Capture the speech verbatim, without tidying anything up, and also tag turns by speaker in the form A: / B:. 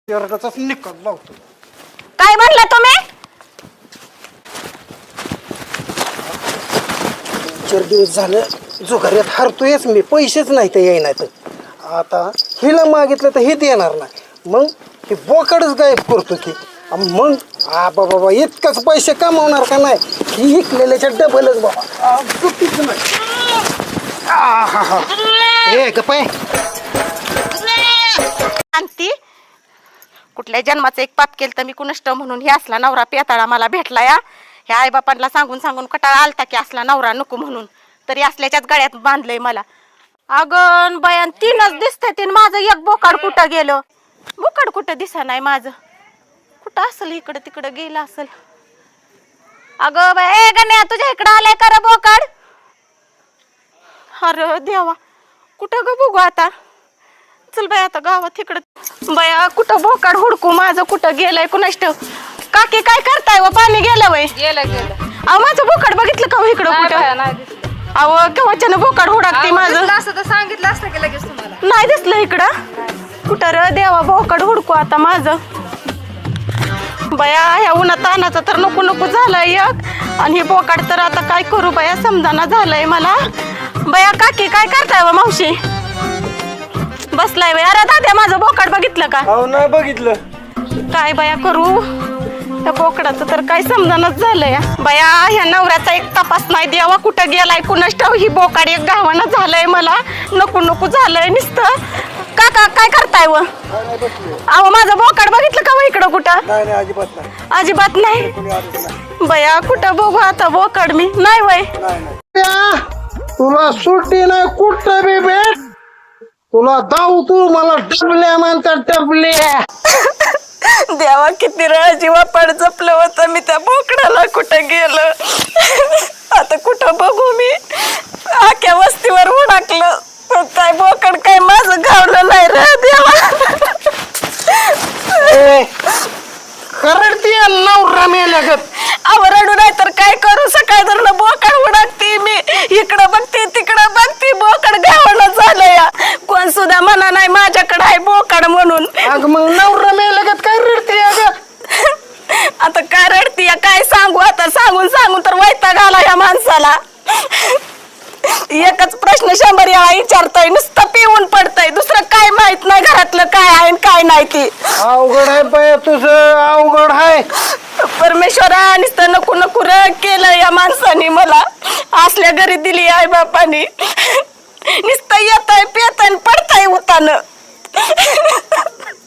A: वर्गाचाच निकाल लावतो।
B: काय म्हणला तुम्ही?
A: चार दिवस झालं जुगाऱ्यात हारतोयच मी, पैसेच नाही तर येईनात। आता हिला मागितलं तर हे देणार नाही, मग हे बोकडच गायब करतो की मग आबा बाबा इतकंच पैसे कमावणार का नाही, ही इकलेल्याच्या डबलच बाबा। चुकीच नाही। हा हा हे गप्पा
B: शांती, कुठल्या जन्माचं एक पाप केलं तर मी कुणष्ट म्हणून हे असला नवरा पेताळा मला भेटला या। ह्या आई बापांना सांगून सांगून कटाळा आलता की असला नवरा नको म्हणून, तरी असल्याच्याच गळ्यात बांधलंय मला। अगं बयान तीनच दिसतंय, तीन माझं एक बोकाड कुठं गेलं? बोकाड कुठं दिसा नाही माझं, कुठं असेल? इकडं तिकडं गेलं असेल। अगं बाय ए गण्या, तुझ्या इकडं आलंय का रे बोकाड? अरे देवा, कुठं ग बघू आता? चल बाय आता गावात इकडं। बया कुठं बोकाड हुडकू, माझं कुठं गेलंय कुणाष्ट? काकी काय करताय व? पाणी गेलं वय?
C: गेलं गेलं।
B: अहो माझं बोकाड बघितलं का इकडं कुठं? अहो केव्हाच्यानं बोकाड हुडकते माझं।
C: असं तर सांगितलं असतं की लगेच तुम्हाला।
B: नाही दिसलं इकडं कुठं रे देवा, बोकाड हुडकू आता माझं। बया ह्या उन्हा तानाचं तर नको नको झालंय एक, आणि हे बोकाड तर आता काय करू बया, समजाना झालंय मला। बया काकी काय करताय व? मावशी बसलाय वय? अरे दाद्या माझं बोकाड बघितलं का?
A: अहो नाही बघितलं।
B: काय बया करू, त्या बोकडाचं तर काय समजानच झालंय बया। ह्या नवऱ्याचा एक तपास नाही द्यावा, कुठं गेलाय कुणास ठाऊक। ही बोकाड एक गावानं झालंय मला, नको नको झालंय नुसतं। काका काय करताय व? अहो माझं बोकाड बघितलं का व इकडं कुठं?
A: नाही नाही अजिबात नाही,
B: अजिबात नाही
A: कोणी आलं नाही।
B: बया कुठं बघू आता बोकाड मी? नाही वय
A: नाही नाही तुला सुट्टी नाही कुठं बी भेट, तुला दाऊ तू मला डबल्या म्हणतात डबल्या।
B: देवा किती वेळा जीवा पड जपलं होतं मी, त्या बोकडाला कुठं गेलं आता? कुठं बघू मी? आख्या वस्तीवर उडाकलं पण काय बोकड काय माझं गावलं नाही रे देवा।
A: करडती नवरा मेल्यागत।
B: अहो रडू नाही तर काय करू, सकाळ धरण बोकड उडाकते मी, इकडं बघते तिकडं बघते, बोकड गावलं झालं या। कोण सुद्धा म्हणा नाही माझ्याकडे आहे बोकड म्हणून।
A: अग मग नवरा मेल्यागत काय रडती अगं?
B: आता काय रडती काय सांगू, आता सांगून सांगून तर वैताग आला या माणसाला। एकच प्रश्न शंभर वेळा विचारतोय, नुसतं पिऊन पडतय, दुसरं काय माहित नाही घरातलं काय आहे काय नाही ती।
A: अवघड आहे बाय तुझं, अवघड आहे।
B: परमेश्वरा नुसतं नको नको र केलं या माणसाने मला, असल्या घरी दिली आई बापानी। नुसतं येतय पेतय पडतय उतान।